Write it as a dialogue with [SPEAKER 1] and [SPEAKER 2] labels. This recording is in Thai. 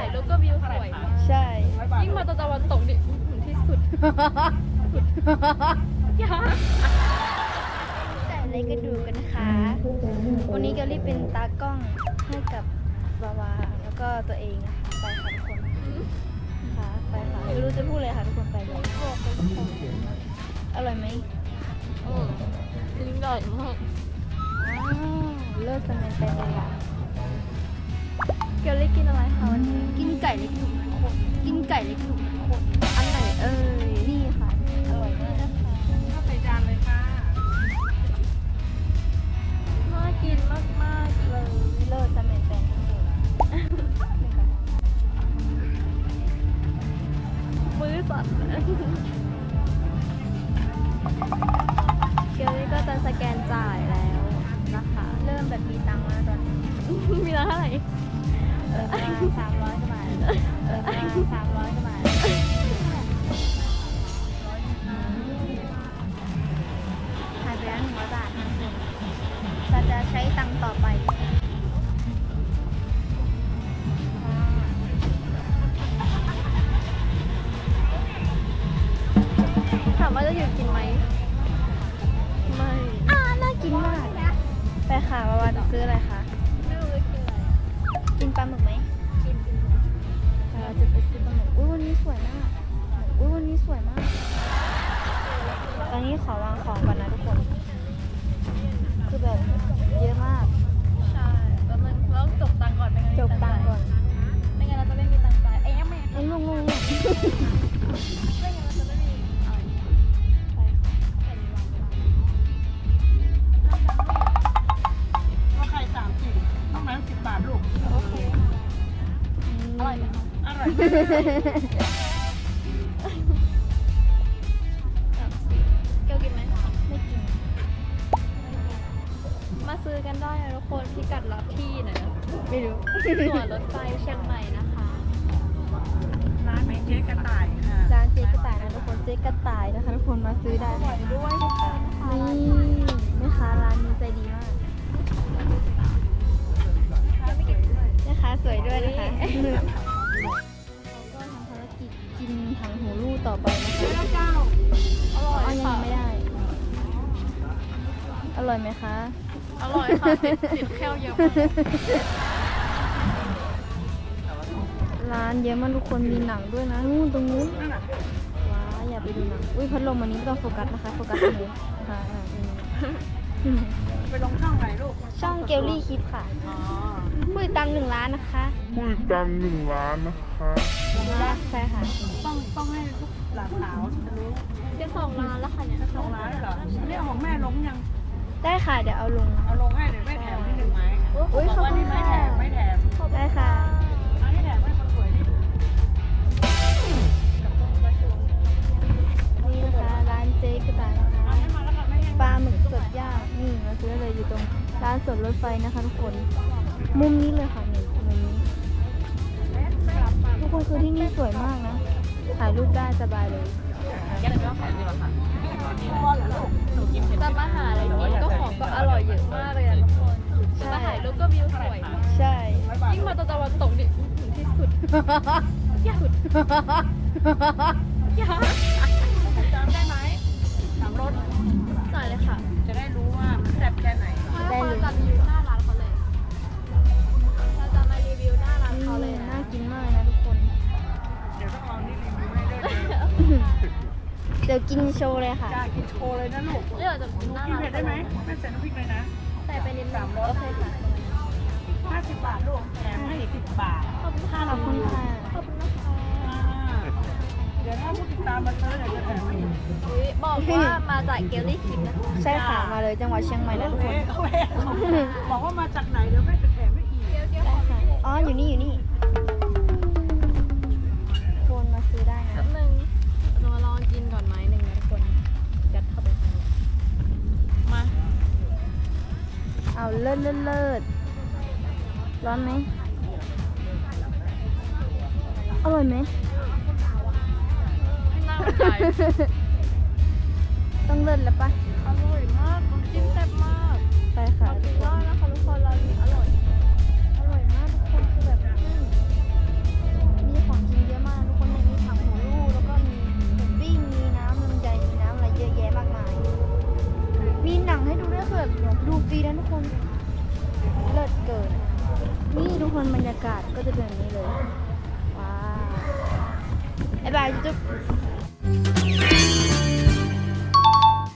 [SPEAKER 1] ายรูปก็วิวสวยมาก
[SPEAKER 2] ใช่
[SPEAKER 1] ยิ่งมาตะวันตกนี่ที่สุดยาก
[SPEAKER 2] แต่อะไรก็ดูกันนะคะ วันนี้เกลลี่เป็นตากล้องให้กับวาวาแล้วก็ตัวเองนะคะไปค่ะทุกคนค่ะไปค่ะไม่รู้จะพูดเลยค่ะทุกคนไปเลยอร่อยไหม
[SPEAKER 1] ยิ่งใหญ่มาก
[SPEAKER 2] ว้าวเลิศสมันเป็นเลยค่ะเกลลี่กินอะไรคะวันนี้กินไก่เล็กหนุ่มโคตรกินไก่เล็กหนุ่มโคตรอันไหนนี่ค่ะอร่อยมากนะคะ
[SPEAKER 1] ข้าวใส่จานเลยค่ะน่ากินมากๆเลย
[SPEAKER 2] เลิศสมันเป็นทั้งหมด
[SPEAKER 1] มือสั่นเลย
[SPEAKER 2] เกลลี่ก็จะสแกนจ่ายแล้วนะคะ เริ่มแบบมีตังค์แล้วตอนนี้
[SPEAKER 1] มีร้านเท่าไหร่
[SPEAKER 2] ประมาณ300กว่าบาทประมาณ300กว่าบาทหายไปแล้ว100 บาทนะคุณเราจะใช้ตังค์ต่อไป
[SPEAKER 1] ถามว่าจะหยุดกินไหมไม่
[SPEAKER 2] น่ากินมากไปค่ะวาวาจะซื้ออะไรคะ
[SPEAKER 1] ไม่รู้จะกินอะไร
[SPEAKER 2] กินปลาหมึกไหมเราจะไปซื้อปลาหมึกอุ้ยวันนี้สวยมากอุ้ยวันนี้สวยมากตอนนี้ขอวางของก่อนนะทุกคนคือแบบเยอะมาก
[SPEAKER 1] ใช่แล้วมันแล้วจบตังค์ก่อนไม่งั้น
[SPEAKER 2] จบตังค์ก่อน
[SPEAKER 1] ไม่งั้นเราจะไม่มีตังค์จ่ายยังไม่
[SPEAKER 2] ลง
[SPEAKER 1] ไม่งั้นเราจะไม่มีอะไร
[SPEAKER 2] ไปค่ะ
[SPEAKER 1] แผ่นวาง
[SPEAKER 3] ก็ไข่30ต้องนั้น10 บาทลูก
[SPEAKER 1] โอเคอร่อยไหมคะ
[SPEAKER 3] อร่อย
[SPEAKER 1] เกียวกินไหม
[SPEAKER 2] ไม่กิน
[SPEAKER 1] มาซื้อกันได้นะทุกคนพิกัดรับที่นะ
[SPEAKER 2] ไม่รู้
[SPEAKER 1] ส่วนรถไฟเชียงใหม่นะคะ
[SPEAKER 3] ร้านเจ๊กระต่ายค่ะ
[SPEAKER 2] ร้านเจ๊กระต่ายนะทุกคนเจ๊กระต่ายนะคะทุกคนมาซื้อได้ค่ะ
[SPEAKER 1] ด้วยนะคะ
[SPEAKER 2] นี่แม่ค้าร้านนี้ใจดีมากแม่ค้าสวยด้วยนะคะเราก็ทำภารกิจกินถังหูรูต่อไปนะคะ
[SPEAKER 3] เจ้า
[SPEAKER 1] อร่อย
[SPEAKER 2] อ๋อยั
[SPEAKER 1] ค่ะ
[SPEAKER 2] งไม่ได้ อร่อยไหมคะ
[SPEAKER 1] อร่อยค่ะติดแคลเยอะมาก
[SPEAKER 2] ร้านเยอะมากทุกคนมีหนังด้วยนะนู่นตรงนู้น
[SPEAKER 3] นั่นน่ะ
[SPEAKER 2] ว้าอย่าไปดูหนังอุ้ยพัดลมอันนี้ไม่ต้องโฟกัสนะคะโฟกัสตรงนี้ค่ะอืม
[SPEAKER 3] ไปลงช่องไหนลูก
[SPEAKER 2] ช่องเกลลี่คลิปค่ะ
[SPEAKER 3] อ๋อ
[SPEAKER 2] ผู้ติดตาม1 ล้านนะคะ
[SPEAKER 4] ผู้ติดตาม1 ล้านนะคะ
[SPEAKER 2] ใช่ค่ะ
[SPEAKER 3] ต้องให้ทุกหลานสาวจะรู้
[SPEAKER 1] จะ2 ล้านแล้วค่ะเนี่ย
[SPEAKER 3] ช่องร้านเหรออันนี้เอาของแม่ลงยัง
[SPEAKER 2] ได้ค่ะเดี๋ยวเอาลง
[SPEAKER 3] เอาลงให้เดี๋ยวแม่แถมให้1 ไม้
[SPEAKER 2] อุ๊ย
[SPEAKER 3] บอกว่านี่ไม่แถมไม่แถม
[SPEAKER 2] ได้ค่ะ
[SPEAKER 3] เอาให้แถมให้คนสวยนี่กับพวกประชุม
[SPEAKER 2] นี่นะคะร้านเจ๊กระต่ายนะคะ
[SPEAKER 3] เอาให้มาแล้วค่ะแม่ให้
[SPEAKER 2] ปลาหมึกสดย่างนี่มาซื้อเลยอยู่ตรงร้านสดรถไฟนะคะทุกคน มุมนี้เลยค่ะนี่มุมนี้ทุกคนคือที่นี่สวยมากนะถ่ายรูปได้สบายเลย
[SPEAKER 1] จะมาหาอะไรกินก็ของก็อร่อยเยอะมากเลยอะทุกคนจะมาถ่ายรูปก็วิวสวยมาก
[SPEAKER 2] ใช่
[SPEAKER 1] ยิ่งมาตะวันตกนี่ที่สุดยากสุดยาก
[SPEAKER 3] จำได้ไหมถามรถ
[SPEAKER 1] หน่อยเลยค่ะ
[SPEAKER 3] จะได้รู้ว่ามันแซ่บแค่ไหน
[SPEAKER 1] เราจะรีวิวหน้าร้านเขาเลยเราจะมารีวิวหน้าร้านเขาเลยนะ
[SPEAKER 2] น่ากินมากนะทุกคน
[SPEAKER 3] เดี๋ยวต้องเอานี่รีวิวให้ด้วยนะ
[SPEAKER 2] เดี๋ยวกินโชว์เลยค่ะ
[SPEAKER 3] จ้ากินโชว์เลยนะลูก
[SPEAKER 1] เดี๋ยวจะกินหน้า
[SPEAKER 3] กิน
[SPEAKER 1] ร้าน
[SPEAKER 3] เผ็ดได้ไหมแม่ใส่น้ำพริกเลยนะ
[SPEAKER 1] ใส่ไปนิดนึงโอเคค่ะ
[SPEAKER 3] 50 บาทลูกแถมให้10 บาท
[SPEAKER 1] ขอบคุณค่ะ
[SPEAKER 2] ขอบคุณค่ะ
[SPEAKER 1] ขอบคุณนะคะ
[SPEAKER 3] เดี๋ยวถ้าผู้ติดตามมาซื้อเดี๋ยวจะแถมให้อีก
[SPEAKER 1] อุ๊ยบอกว่ามาจากเกลลี่คิมนะคะ
[SPEAKER 2] ใช่ค่ะมาเลยจังหวัดเชียงใหม่นะทุกคน
[SPEAKER 3] โอเคบอกว่ามาจากไหนเดี๋ยวแม่จะแถมให้อีก
[SPEAKER 1] เดี๋ยว
[SPEAKER 2] ได้ค่ะอ๋ออยู่นี่อยู่นี่โคนมาซื้อได้นะ
[SPEAKER 1] แป๊บนึงเรามาลองกินก่อนไหมหนึ่งนะทุกคนยัดเข้าไปข้างในมา
[SPEAKER 2] เอาเลิศเลิศเลิศร้อนไหมอร่อยไหม
[SPEAKER 1] น่าสนใจ
[SPEAKER 2] ต้องเลิศแล้วปะ
[SPEAKER 1] อร่อยมากน้ำจิ้มแซ่บมาก
[SPEAKER 2] ไปค่ะ
[SPEAKER 1] ขอบคุณมากนะคะทุกคนร้านนี้อร่อย
[SPEAKER 2] อร่อยมากทุกคนคือแบบดูฟรีนะทุกคน เลิศเกิน นี่ทุกคนบรรยากาศก็จะเป็นแบบนี้เลย ว้าวบ๊ายบายจุ๊บ